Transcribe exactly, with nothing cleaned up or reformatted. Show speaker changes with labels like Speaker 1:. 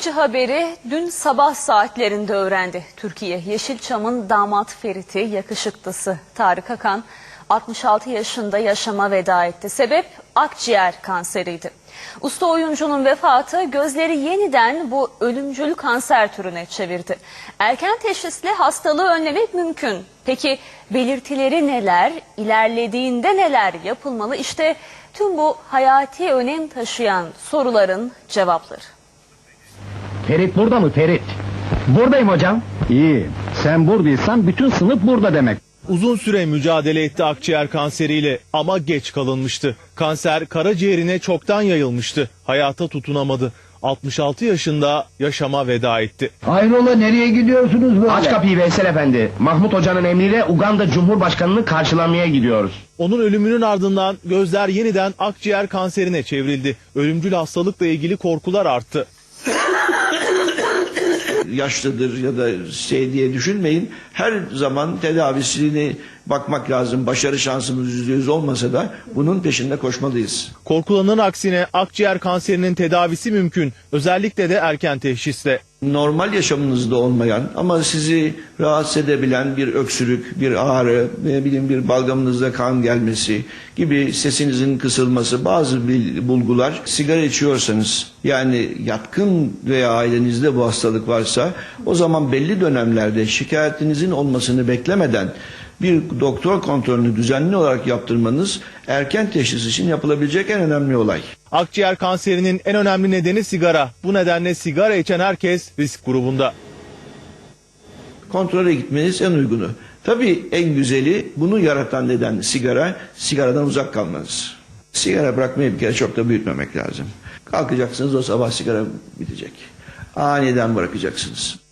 Speaker 1: acı haberi dün sabah saatlerinde öğrendi Türkiye. Yeşilçam'ın damat Ferit'i, yakışıklısı Tarık Akan altmış altı yaşında yaşama veda etti. Sebep akciğer kanseriydi. Usta oyuncunun vefatı gözleri yeniden bu ölümcül kanser türüne çevirdi. Erken teşhisle hastalığı önlemek mümkün. Peki belirtileri neler, ilerlediğinde neler yapılmalı? İşte tüm bu hayati önem taşıyan soruların cevapları.
Speaker 2: Ferit burada mı Ferit? Buradayım hocam. İyi. Sen buradaysan bütün sınıf burada demek.
Speaker 3: Uzun süre mücadele etti akciğer kanseriyle ama geç kalınmıştı. Kanser karaciğerine çoktan yayılmıştı. Hayata tutunamadı. altmış altı yaşında yaşama veda etti.
Speaker 2: Hayrola, nereye gidiyorsunuz böyle? Aç kapıyı Veysel Efendi. Mahmut Hoca'nın emriyle Uganda Cumhurbaşkanı'nı karşılamaya gidiyoruz.
Speaker 3: Onun ölümünün ardından gözler yeniden akciğer kanserine çevrildi. Ölümcül hastalıkla ilgili korkular arttı.
Speaker 4: Yaşlıdır ya da şey diye düşünmeyin. Her zaman tedavisine bakmak lazım. Başarı şansımız yüzde yüz olmasa da bunun peşinde koşmalıyız.
Speaker 3: Korkulanın aksine akciğer kanserinin tedavisi mümkün. Özellikle de erken teşhisle.
Speaker 4: Normal yaşamınızda olmayan ama sizi rahatsız edebilen bir öksürük, bir ağrı, ne bileyim bir balgamınızda kan gelmesi gibi sesinizin kısılması, bazı bulgular, sigara içiyorsanız yani yatkın veya ailenizde bu hastalık varsa o zaman belli dönemlerde şikayetinizin olmasını beklemeden bir doktor kontrolünü düzenli olarak yaptırmanız erken teşhis için yapılabilecek en önemli olay.
Speaker 3: Akciğer kanserinin en önemli nedeni sigara. Bu nedenle sigara içen herkes risk grubunda.
Speaker 4: Kontrole gitmeniz en uygunu. Tabii en güzeli, bunu yaratan neden sigara, sigaradan uzak kalmanız. Sigara bırakmayı bir kere çok da büyütmemek lazım. Kalkacaksınız, o sabah sigara bitecek. Aniden bırakacaksınız.